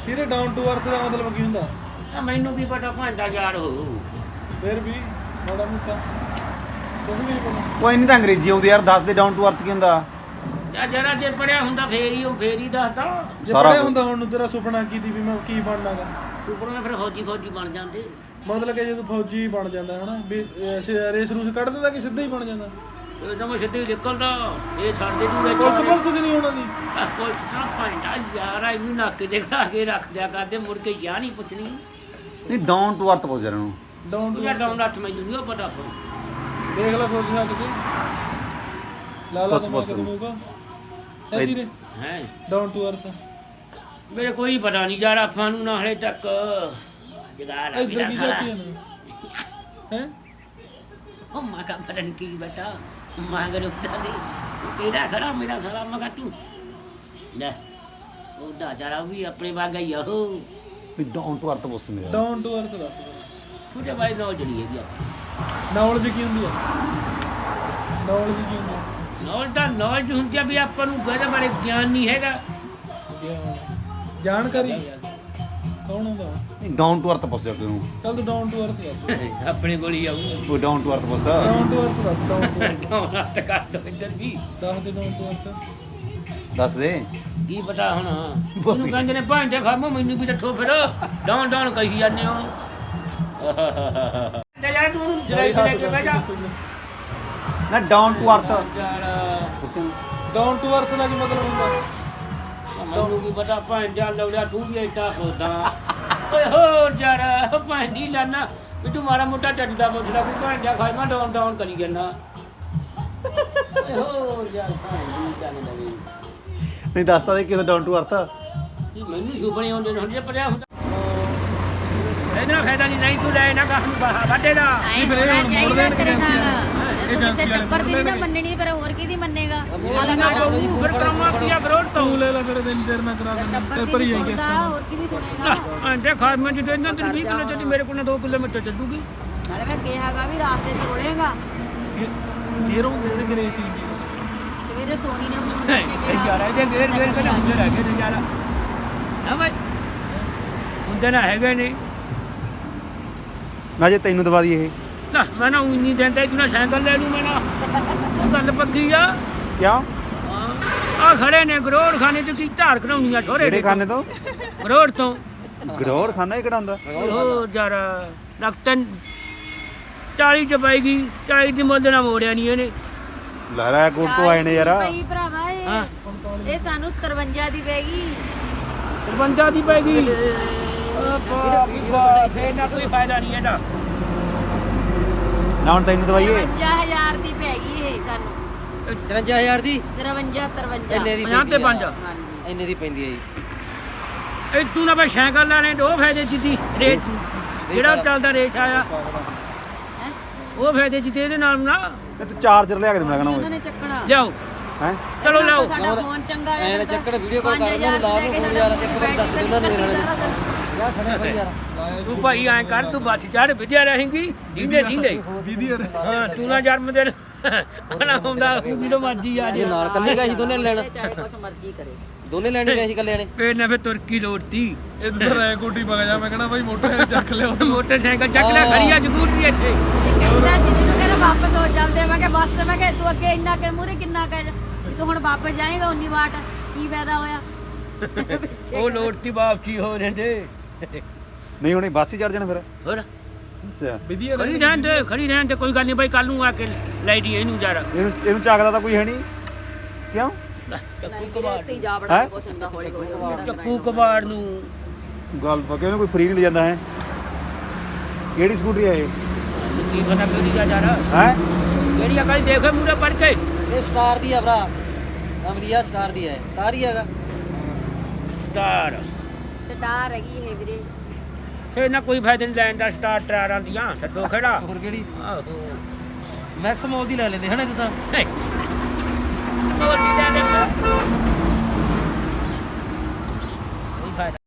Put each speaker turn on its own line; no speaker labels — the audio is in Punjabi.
ਸਿਰੇ ਡਾਊਨ ਟੂ ਅਰਥ ਦਾ ਮਤਲਬ ਕੀ ਹੁੰਦਾ?
ਮੈਨੂੰ ਕੀ ਪਤਾ ਭਾਂਡਾ ਯਾਰ ਹੋ
ਫਿਰ ਵੀ ਮਾੜਾ ਮੋਟਾ ਕੁਝ ਵੀ ਨਹੀਂ ਪਤਾ।
ਕੋਈ ਨਹੀਂ ਤਾਂ ਅੰਗਰੇਜ਼ੀ ਆਉਂਦੀ ਯਾਰ, ਦੱਸ ਦੇ ਡਾਊਨ ਟੂ ਅਰਥ ਕੀ ਹੁੰਦਾ?
ਜਰਾ ਜੇ ਪੜਿਆ ਹੁੰਦਾ ਫੇਰ ਹੀ ਦੱਸਦਾ।
ਜੇ ਪੜਿਆ ਹੁੰਦਾ ਹੁਣ ਨੂੰ ਤੇਰਾ ਸੁਪਨਾ ਕੀ ਦੀ ਵੀ ਮੈਂ ਕੀ ਬਣਨਾਗਾ?
ਸੁਪਨਾ ਫਿਰ ਫੌਜੀ ਬਣ ਜਾਂਦੇ।
ਮਤਲਬ ਕਿ ਜਦੋਂ ਫੌਜੀ ਬਣ ਜਾਂਦਾ ਹਨਾ ਵੀ ਰੇਸ ਰੂਸ ਕੱਢ ਦਿੰਦਾ ਕਿ ਸਿੱਧਾ ਹੀ ਬਣ ਜਾਂਦਾ?
ਇਹ ਤਾਂ ਮੈਂ ਸਿੱਧੇ ਨਿਕਲਦਾ। ਇਹ ਛੱਡਦੇ ਦੂਰੇ
ਪੁਲਿਸ ਨਹੀਂ ਹੋਣਾ ਦੀ
ਪੁਲਿਸ ਦਾ ਭਾਂਡਾ ਯਾਰ ਇਹਨੂੰ ਨੱਕ ਦੇ ਖਾ ਕੇ ਰੱਖ ਦਿਆ ਕਰਦੇ, ਮੁੜ ਕੇ ਯਾਰ ਨਹੀਂ ਪੁੱਛਣੀ।
ਨਹੀਂ ਡਾਊਨ ਟੂ ਅਰਥ ਪੁੱਛ ਰਿਹਾ ਨੂੰ।
ਡਾਊਨ ਟੂ
ਡਾਊਨ ਰੱਖ ਮੈਨੂੰ ਨਹੀਂ ਪਤਾ।
ਦੇਖ ਲੈ ਸੋਚ ਸਕਦਾ ਕਿ ਲਾਲਾ ਕਮਾ ਕੇ ਦੂਗਾ ਐਸੀ ਨੇ
ਹੈ
ਡਾਊਨ ਟੂ ਅਰਥ।
ਮੇਰੇ ਕੋਈ ਪਤਾ ਨਹੀਂ ਯਾਰ, ਆਪਾਂ ਨੂੰ ਨਾ ਹਲੇ ਤੱਕ ਜਗਾੜ ਆ
ਇੱਧਰ ਕੀ ਜਾਤੀ ਹੈ
ਉਹ ਮਾਂ ਕਾ ਪਤਾ ਨਹੀਂ ਕੀ ਬੇਟਾ ਮਾਂ ਗਰੁੱਪਦਾ ਦੀ ਕਿਹੜਾ ਖੜਾ ਮੇਰਾ ਸਾਲਾ ਮਗਾ ਤੂੰ ਲੈ ਉਹਦਾ ਜਰਾ ਵੀ ਆਪਣੇ ਵਾਗਾ ਹੀ ਉਹ
ਵੀ ਡਾਊਨ ਟੂ ਅਰਥ ਪੁੱਛ ਮੇਰਾ।
ਡਾਊਨ ਟੂ ਅਰਥ ਦੱਸ
ਉਹਦੇ ਬਾਰੇ ਨੌਲੇਜ ਨਹੀਂ ਹੈਗੀ।
ਨੌਲੇਜ ਕੀ ਹੁੰਦੀ ਹੈ? ਨੌਲੇਜ ਕੀ ਹੁੰਦੀ ਹੈ?
ਨੌਲੇਜ ਹੁੰਦੀ ਆ ਵੀ ਆਪਾਂ ਨੂੰ ਇਹਦੇ ਬਾਰੇ ਗਿਆਨ ਨਹੀਂ ਹੈਗਾ।
ਜਾਣਕਾਰੀ ਕੌਣ ਹੁੰਦਾ?
ਨਹੀਂ ਡਾਊਨ ਟੂ ਅਰਥ ਪੁੱਛ ਰਿਹਾ ਤੈਨੂੰ।
ਚੱਲ ਤੂੰ ਡਾਊਨ ਟੂ ਅਰਥ ਦੱਸ।
ਆਪਣੇ ਕੋਲ ਹੀ ਆਊ
ਉਹ ਡਾਊਨ ਟੂ ਅਰਥ ਪੁੱਛ।
ਡਾਊਨ ਟੂ ਅਰਥ ਦੱਸ। ਡਾਊਨ ਟੂ ਅਰਥ
ਡਾਊਨ ਹੱਥ ਕਰ ਦੋ ਇੱਧਰ ਵੀ
ਦੱਸ ਦੇ ਡਾਊਨ ਟੂ ਅਰਥ
ਦੱਸ ਦੇ।
ਕੀ ਪਤਾ ਹੁਣ ਉਹਨੂੰ ਕਹਿੰਦੇ ਨੇ ਭਾਂਡੇ ਖਾਮੋ ਮੈਨੂੰ ਵੀ ਦੱਸੋ ਫਿਰ ਡਾਊਨ ਕਹੀ ਜਾਂਦੇ ਹੋ। ਲੈ ਜਾ ਤੂੰ ਜਰਾਈ ਲੈ ਕੇ ਬਹਿ ਜਾ
ਨਾ ਡਾਊਨ ਟੂ ਅਰਥ ਪੁੱਛ।
ਡਾਊਨ ਟੂ ਅਰਥ ਦਾ ਕੀ ਮਤਲਬ ਹੁੰਦਾ?
ਮੈਨੂੰ ਕੀ ਪਤਾ ਭਾਂਡਾ ਲੌੜਿਆ ਤੂੰ ਵੀ ਇੱਟਾ ਖੋਦਾ ਓਏ ਹੋ ਜਰਾ ਭਾਂਡੀ ਲਾਨਾ ਵੀ ਤੂੰ ਮਾੜਾ ਮੋਟਾ ਚੱਜਦਾ ਪੁੱਛਦਾ ਵੀ ਭਾਂਡਾ ਖਾਈ ਮੈਂ ਡਾਊਨ ਕਰੀ ਜਾਂਦਾ। ਓਏ ਹੋ ਯਾਰ ਭਾਂਡੀ ਗੱਲ ਲਵੀ
ਨਹੀਂ ਦੱਸਦਾ ਦੇ ਕਿਉਂ ਡਾਊਨ ਟੂ ਅਰਥ?
ਮੈਨੂੰ ਸੁਪਨੇ ਆਉਂਦੇ ਨੇ ਹੁਣ ਜੇ ਪੜਿਆ ਹੁੰਦਾ ਇਹਦਾ ਫਾਇਦਾ ਨਹੀਂ ਤੂੰ ਲੈ ਨਾ ਕਾਹ ਨੂੰ ਵਾਢੇ ਦਾ
ਚਾਹੀਦਾ ਤੇਰੇ ਨਾਲ ਕਿਸੇ ਟੱਬਰ ਦੀ ਨਾ ਮੰਨਣੀ ਪਰ ਹੋਰ ਕਿਹਦੀ ਮੰਨੇਗਾ?
ਫਿਰ ਕਰਾਉਣਾ ਕੀ ਆ ਗਰੋੜ ਤੋਂ
ਤੂੰ ਲੈ ਲੈ ਫਿਰ ਦਿਨ ਤੇਰੇ ਨਾਲ ਕਰਾ ਦਿੰਦਾ ਤੇ ਭਰੀ ਆਈ ਗਿਆ।
ਹੋਰ ਕਿਹਦੀ ਸੁਣੇਗਾ?
ਆਂਦੇ ਖਾਰ ਮੈਂ ਜਿੱਦਾਂ ਇਹਨਾਂ ਤੇ 20 ਕਿਲੋ ਚੱਲੀ ਮੇਰੇ ਕੋਲ 2 ਕਿਲੋਮੀਟਰ ਚੱਲੂਗੀ।
ਨਾਲੇ ਮੈਂ ਕਿਹਾਗਾ ਵੀ ਰਾਸਤੇ 'ਚ ਰੋਲੇਗਾ
ਫੇਰ ਉਹ ਦੇ ਗਰੇ ਸੀ
ਸਵੇਰੇ ਸੋਨੀ ਨੇ ਫੋਨ ਕਰਕੇ ਕਿਹਾ
ਯਾਰ ਇਹਦੇ ਗੇਰ ਪਹਿਲਾਂ ਹੁੰਦੇ ਰਹਿ ਗਏ ਨੇ ਯਾਰ ਨਾ ਭਾਈ ਹੁੰਦੇ ਨਾ ਹੈਗੇ ਨਹੀਂ
ਨਾ ਜੇ ਤੈਨੂੰ ਦਵਾ ਦੀ ਇਹ
ਨਾ ਮੈਂ ਨਾ ਉਨੀ ਦਿੰਦਾ ਤੂੰ ਨਾ ਸਾਈਕਲ ਲੈ ਲੂ ਮੈਂ ਨਾ ਗੱਲ ਪੱਕੀ ਆ
ਕਿਉਂ?
ਆ ਖੜੇ ਨੇ ਗਰੋੜ ਖਾਨੇ ਚ ਕੀ ਧਾਰ ਕਢਾਉਣੀਆਂ ਛੋਰੇ
ਕਿਹੜੇ ਖਾਨੇ ਤੋਂ?
ਗਰੋੜ ਤੋਂ
ਗਰੋੜ ਖਾਨਾ ਇਹ ਕਿਹੜਾ ਹੁੰਦਾ?
ਉਹ ਯਾਰ ਲਗਤਨ 40 ਚ ਪਾਏਗੀ 40 ਦੀ ਮੁੱਲ ਨਾ ਮੋੜਿਆ ਨਹੀਂ ਇਹਨੇ।
ਲਹਿਰਾ ਕੋਟ ਤੋਂ ਆਏ ਨੇ ਯਾਰ।
ਭਾਈ ਭਰਾਵਾ
ਹਾਂ
ਇਹ ਸਾਨੂੰ 53 ਦੀ ਪੈਗੀ।
53 ਦੀ ਪੈਗੀ ਫੇਰ ਨਾ ਕੋਈ ਫਾਇਦਾ ਨਹੀਂ ਇਹਦਾ।
ਨਾ ਹੁਣ ਤੈਨੂੰ ਦਵਾਈਏ
55000 ਦੀ ਪੈਗੀ ਇਹ ਸਾਨੂੰ।
53000 ਦੀ
53
ਇੰਨੇ ਦੀ
50 ਤੇ 5
ਹਾਂਜੀ
ਇੰਨੇ ਦੀ ਪੈਂਦੀ ਹੈ ਜੀ।
ਇਹ ਤੂੰ ਨਾ ਬਈ ਸਾਈਕਲ ਲੈਣੇ ਦੋ ਫਾਇਦੇ ਚ ਦੀ ਰੇਟ ਜਿਹੜਾ ਚੱਲਦਾ ਰੇਟ ਆਇਆ
ਹੈ
ਉਹ ਫਾਇਦੇ ਚ ਤੇ ਇਹਦੇ ਨਾਲ ਨਾ
ਇਹ ਤੂੰ ਚਾਰਜਰ ਲਿਆ ਕੇ ਦੇਣਾ ਕਹਣਾ
ਉਹਨਾਂ ਨੇ ਚੱਕਣਾ
ਲਿਆਓ
ਹੈ।
ਚਲੋ ਲਿਆਓ।
ਸਾਡਾ ਫੋਨ ਚੰਗਾ
ਐ ਤਾਂ ਚੱਕੜ ਵੀਡੀਓ ਕਾਲ ਕਰ ਉਹਨਾਂ ਨੂੰ ਲਾ ਨੂੰ ਫੋਨ ਯਾਰ ਇੱਕ ਵਾਰ ਦੱਸ ਦੇ ਉਹਨਾਂ ਨੂੰ ਮੇਰੇ ਨਾਲ ਯਾਰ ਖੜੇ ਭਾਈ ਯਾਰ
ਤੂੰ ਭਾਈ ਐਂ ਕਰ ਤੂੰ ਬੱਸ ਚੜ ਵਿਦਿਆ ਰਹੇਂਗੀ ਦੀਂਦੇ
ਵੀਡੀਓ
ਹਾਂ ਤੂੰ ਨਾ ਜਨਮ ਦਿਨ ਆਣਾ ਹੁੰਦਾ ਜਦੋਂ ਮਰਜੀ ਆ
ਇਹ
ਜਾ
ਨਾਲ ਕੱਲੇ ਗਏ ਸੀ ਦੋਨੇ ਲੈਣ
ਚਾਹੇ ਕੁਛ ਮਰਜ਼ੀ ਕਰੇ।
ਦੋਨੇ ਲੈਣੇ ਗਏ ਸੀ ਕੱਲੇ ਨੇ
ਫੇਰ ਨਾ ਫੇਰ ਤੁਰਕੀ ਲੋੜਤੀ
ਇਹ ਤਾਂ ਰਾਏ ਕੋਟੀ ਪਾ ਜਾ। ਮੈਂ ਕਹਣਾ ਭਾਈ ਮੋਟਰਸਾਈਕਲ ਚੱਕ ਲਿਓ।
ਮੋਟਰਸਾਈਕਲ ਚੱਕ ਲੈ ਖੜੀ ਆ ਸਕੂਟਰੀ ਇੱਥੇ
ਕਹਿੰਦਾ ਸੀ ਮੈਨੂੰ ਕਹਿੰਦਾ ਵਾਪਸ ਹੋ ਚੱਲਦੇ। ਮੈਂ ਕਿਹਾ ਬੱਸ ਮੈਂ ਕਿਹਾ ਤੂੰ ਅੱਗੇ ਇੰਨਾ ਕਿ ਮੂਰੇ ਕਿੰਨਾ ਕਹਿ ਤੂੰ ਹੁਣ ਵਾਪਸ ਜਾਏਗਾ ਉਨੀ ਵਾਟ ਕੀ ਫਾਇਦਾ ਹੋਇਆ?
ਉਹ ਲੋੜਤੀ ਵਾਪਸੀ ਹੋ ਰਹਿੰਦੇ
ਨਹੀਂ ਹੁਣੇ ਬੱਸ ਹੀ ਚੜ ਜਾਣਾ ਫਿਰ।
ਹੋਰ
ਅੱਛਾ
ਵੀਡੀਓ
ਖੜੀ ਰਹਿਣ ਤੇ ਕੋਈ ਗੱਲ ਨਹੀਂ ਬਾਈ ਕੱਲ ਨੂੰ ਆ ਕੇ ਲੈ ਦੀ ਇਹਨੂੰ ਜਰਾ
ਇਹਨੂੰ ਚੱਕਦਾ ਤਾਂ ਕੋਈ ਹੈ ਨਹੀਂ ਕਿਉਂ?
ਜਾ ਬੜਾ ਕੁਛ ਹੁੰਦਾ ਹੌਲੀ ਹੌਲੀ
ਚੱਕੂ ਕਬਾੜ ਨੂੰ
ਗੱਲ ਪੱਕੇ ਉਹਨੂੰ ਕੋਈ ਫ੍ਰੀ ਨਹੀਂ ਲੈ ਜਾਂਦਾ ਹੈ। ਕਿਹੜੀ ਸਕੂਟਰੀ ਆ ਇਹ?
ਕੀ ਪਤਾ ਕਿਹੜੀ ਜਾ ਜਰਾ
ਹੈ
ਕਿਹੜੀ ਅਕਾਲੀ ਦੇਖੇ ਮੂਰੇ ਪੜ ਕੇ
ਇਹ ਸਟਾਰ ਦੀ ਆ ਭਰਾ ਅਮਰੀਆ ਸਟਾਰ ਦੀ ਹੈ ਕਾਰ ਹੀ ਹੈਗਾ
ਸਟਾਰ
ਸਟਾਰ ਹੈਗੀ ਇਹ ਵੀਰੇ।
ਫੇਰ ਨਾ ਕੋਈ ਫਾਇਦਾ ਨਹੀਂ ਲੈਣ ਦਾ ਸਟਾਰ ਟਰਾਰਾਂ ਦੀਆਂ ਛੱਡੋ ਖੜਾ
ਹੋਰ ਕਿਹੜੀ
ਆਹੋ
ਮੈਕਸ ਮੋਲ ਦੀ ਲੈ ਲੈਂਦੇ ਹਨਾ ਇਹ ਤਾਂ
ਹੋਰ ਨਹੀਂ ਲੈਣੇ ਕੋਈ ਫਾਇਦਾ